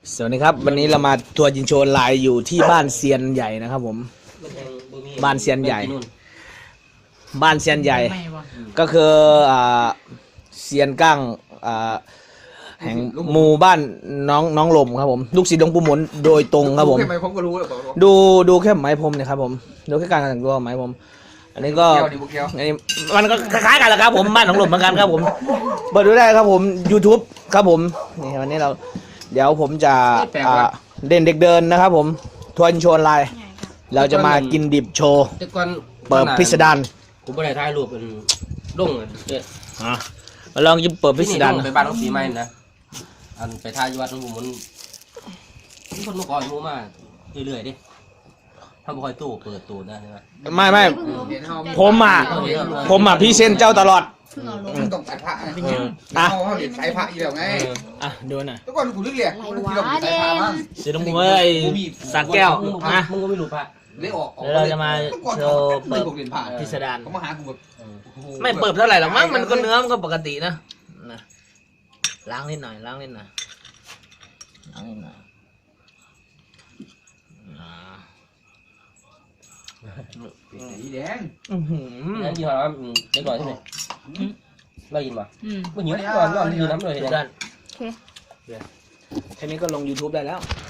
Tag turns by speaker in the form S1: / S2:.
S1: สวัสดีครับวันนี้เรามาทัวร์จินโชว์ไลน์อยู่ที่บ้านเซียนใหญ่นะครับผมบ้านเซียนใหญ่บ้านเซียนใหญ่ก็คือเซียนก้างแห่งหมู่บ้านน้องลมครับผมลูกศิษย์หลวงปู่หมุนโดยตรงครับผมดูแค่ไหมพรมเนี่ยครับผมดูแค่การแต่งตัวไหมพรมอันนี้ก็อันนี้มันก็คล้ายๆกันแหละครับผมบ้านน้องลมเหมือนกันครับผมเปิดดูได้ครับผม YouTube ครับผมนี่วันนี้เดี๋ยวผมจะเด่นเด็กเดินนะครับผมทัวร์โชว์ไลน์เราจะมากินดิบโชว์เปิดพิสดาร
S2: ผมไม่ได้ถ่ายรูปเป็นรุ่งเลย
S1: มาลองยิบเปิดพิสดาร
S2: ไปบ้านน้องสีไม้นะอันไปถ่ายวัดน้องผมมันคนมาขอให้มูมาเรื่อยๆดิถ้าบ่คอยตู้เปิดตู้ได้ใช่ไหม
S1: ไม่ผมพี่เซนเจ้าตลอด
S3: ต้องใส่ผ้าเขาเห็นใส่ผ้าอีกแล้วไง
S1: ดูหน่อย
S3: ทุกคนกูเรียกที่เราใส่ผ้าบ้าง
S1: เสียดมวยสักแก้วนะ
S2: มึงก็ไม่รู้ผ้า
S3: เลยออก
S1: เราจะมาโชว์เปิดพิสดาร
S3: เขามาหากูแบบ
S1: ไม่เปิดเท่าไหร่หรอกมั้งมันก็เนื้อมันก็ปกตินะล้างนิดหน่อย
S3: สีแดง
S2: นั่นยี่ห้อเด็กหน่อยใช่ไหมเรายินป่ะเมื่อกี้ก่อนยืนน้ำเลย
S1: แค่นี้ก็ลง YouTube ได้แล้ว